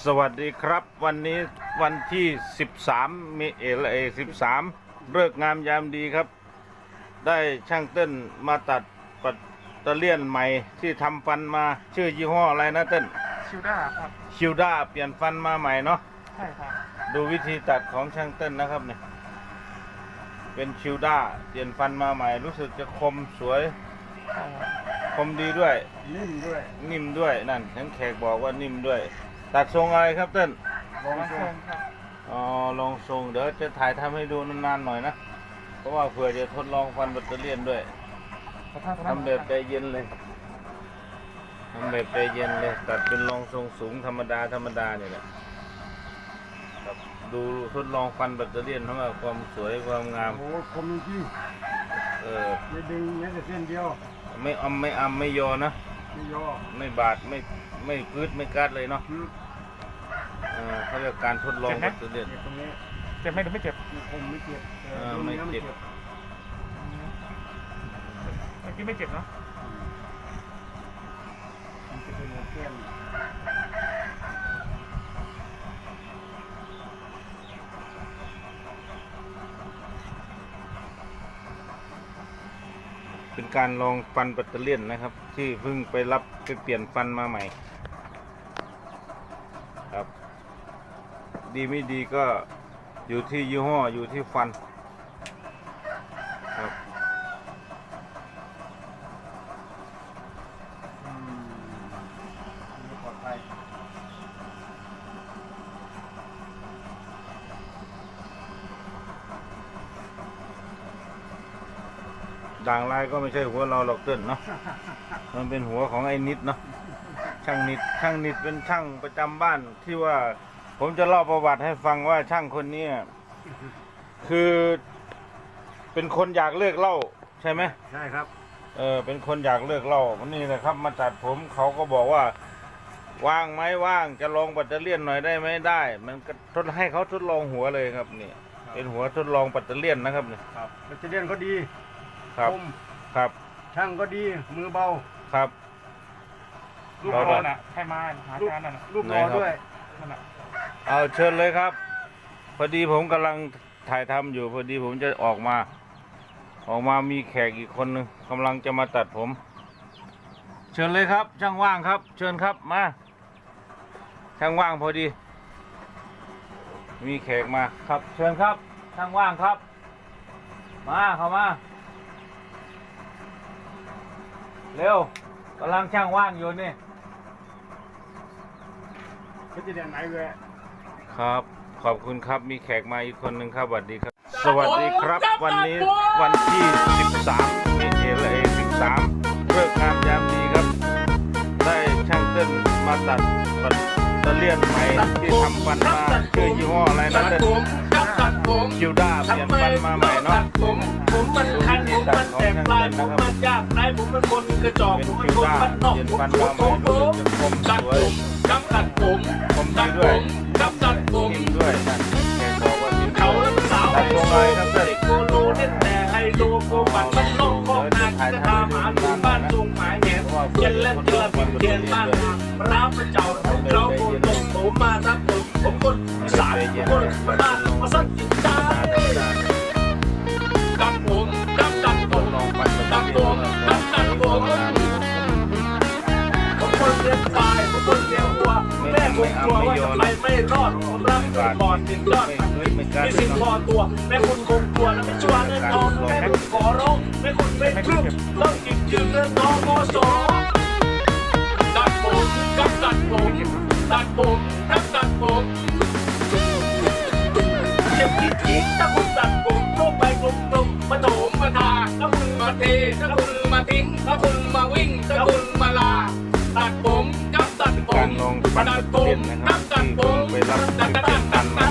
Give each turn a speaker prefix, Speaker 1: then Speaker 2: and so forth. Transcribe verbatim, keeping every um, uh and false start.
Speaker 1: สวัสดีครับวันนี้วันที่สิบสามเมษายนสิบสามเลิกงามยามดีครับได้ช่างเต้นมาตัดปัตเตอร์เลียนใหม่ที่ทำฟันมาชื่อยี่ห้ออะไรนะเต้น
Speaker 2: ชิวด้าครับ
Speaker 1: ชิวด้าเปลี่ยนฟันมาใหม่เนาะ
Speaker 2: ใช่ครับ
Speaker 1: ดูวิธีตัดของช่างเต้นนะครับเนี่ยเป็นชิวด้าเปลี่ยนฟันมาใหม่รู้สึกจะคมสวยคมดีด้วย
Speaker 2: นิ่มด้วย
Speaker 1: นิ่มด้วยนั่นทั้งแขกบอกว่านิ่มด้วยตัดทรงอะไรครับเต้น
Speaker 2: ลองทรงครับ
Speaker 1: อ๋อลองทรงเดี๋ยวจะถ่ายทำให้ดูนานๆหน่อยนะเพราะว่าเผื่อจะทดลองฟันแบตเตอรี่ด้วยทำแบบใจเย็นเลยทำแบบใจเย็นเลยตัดเป็นรองทรงสูงธรรมดาธรรมดาเนี่ยแหละครับดูทดลองฟันแบตเตอรี่ทั้งความสวยความงาม
Speaker 2: โอ้คมจริง
Speaker 1: เออ
Speaker 2: ไม่ดึงแม้แต่เส้นเดียว
Speaker 1: ไม่อมไม่อำไม่ยอนะ
Speaker 2: ไม่ยอ
Speaker 1: ไม่บาดไม่ไม่พืดไม่กัดเลยเนาะเขาเรียกการทดลองแบตเตอรี่
Speaker 2: ตรงนี้เจ็บไหมหรือไม่เจ็บคมไม่เจ็บ
Speaker 1: ไม่เจ็บ
Speaker 2: เมื่อกี้ไม่เจ็บเนาะมันจะเป็นหัวแก้ม
Speaker 1: เป็นการลองฟันแบตเตอรี่นะครับที่เพิ่งไปรับไปเปลี่ยนฟันมาใหม่ครับดีไม่ดีก็อยู่ที่ยี่ห้ออยู่ที่ฟันครับ
Speaker 2: อืมปลอดภัย
Speaker 1: ด่างลายก็ไม่ใช่หัวเราหรอกเต้นเนาะมันเป็นหัวของไอ้นิดเนาะช่างนิดช่างนิดเป็นช่างประจำบ้านที่ว่าผมจะเล่าประวัติให้ฟังว่าช่างคนนี้คือเป็นคนอยากเลิกเหล้าใช่ไหม
Speaker 2: ใช่ครับ
Speaker 1: เออเป็นคนอยากเลิกเหล้าวันนี้นะครับมาตัดผมเขาก็บอกว่าว่างไหมว่างจะลองแบตเตอรี่หน่อยได้ไหมได้มันก็ทดให้เขาทดลองหัวเลยครับนี่เป็นหัวทดลองแบตเตอรี่นะครับนี่
Speaker 2: ครับแบตเตอรี่ก็ดี
Speaker 1: ครับครับ
Speaker 2: ช่างก็ดีมือเบา
Speaker 1: ครับ
Speaker 2: ลูกบอลน่ะให้มาหาจานน่ะลูกบอลด้วยนั่นน่ะ
Speaker 1: เอาเชิญเลยครับพอดีผมกำลังถ่ายทำอยู่พอดีผมจะออกมาออกมามีแขกอีกคนนึงกำลังจะมาตัดผมเชิญเลยครับช่างว่างครับเชิญครับมาช่างว่างพอดีมีแขกมาครับเชิญครับช่างว่างครับมาเข้ามาเร็วกำลังช่างว่างอยู่นี่
Speaker 2: เขาจะเรียนไหนเว้ย
Speaker 1: ครับขอบคุณครับมีแขกมาอีกคนหนึ่งครับสวัสดีครับสวัสดีครับวันนี้วันที่สิบสามเมษายนสิบสามเลิกงามยามดีครับได้ช่างเต้นมาตัดปัตเตอร์เลียนใหม่ที่ทำฟันมาชื่อยี่ห้ออะไรนะเต้นชิวด้าเปลี่ยนฟันมาใหม่เนาะ
Speaker 3: ผมผมมันคันผมมันแสบปลายผมมันยากไรผมมันคนกระจอกผมมันคนมันนอกผมผมผมผมตัดผมกับตัดผม
Speaker 1: ผมดีด้วย
Speaker 3: กับตัดผม
Speaker 1: นิ่มด้วยนั่นแกบอกว่านิ่ม
Speaker 3: เขาแล้วสาวไฮโซเด็กโกโลเล่นแต่ไฮโลโกบันมันนอกคอกนาคิกระทาหมาดูบ้านทรงหมายแหนเย็นเล่นเจอพิมเทียนบ้านรับพระเจ้าเราโกตกผมมาทับผมผมคนสายคนมาบ้านมาสักกินตาตัดผมตัดตัดผมตัดผมตัดตัดผมผมคนเลี้ยงควายผมคนเลี้ยงวัวแม่ผมกลัวว่าจะไปไม่รอดผมรักคุณก่อนติดยอดมีสิ่งพอตัวแม่คุณคงกลัวและไม่ชัวร์เงินทองแม่คุณขอร้องแม่คุณเป็นครึ่งต้องกินจืดเงินทองโมโสตัดผมกับตัดผมตัดผมกับตัดผมเจ็บคิดคิดถ้าคุณตัดผมโลกไปกลมกลมมาโถมมาทาถ้าคุณมาเทถ้าคุณมาทิ้งถ้าคุณมาวิ่งถ้าคุณมาลาตัดผมกับตัดผมตัดผมกับตัดผมตัดตัดตัดตัด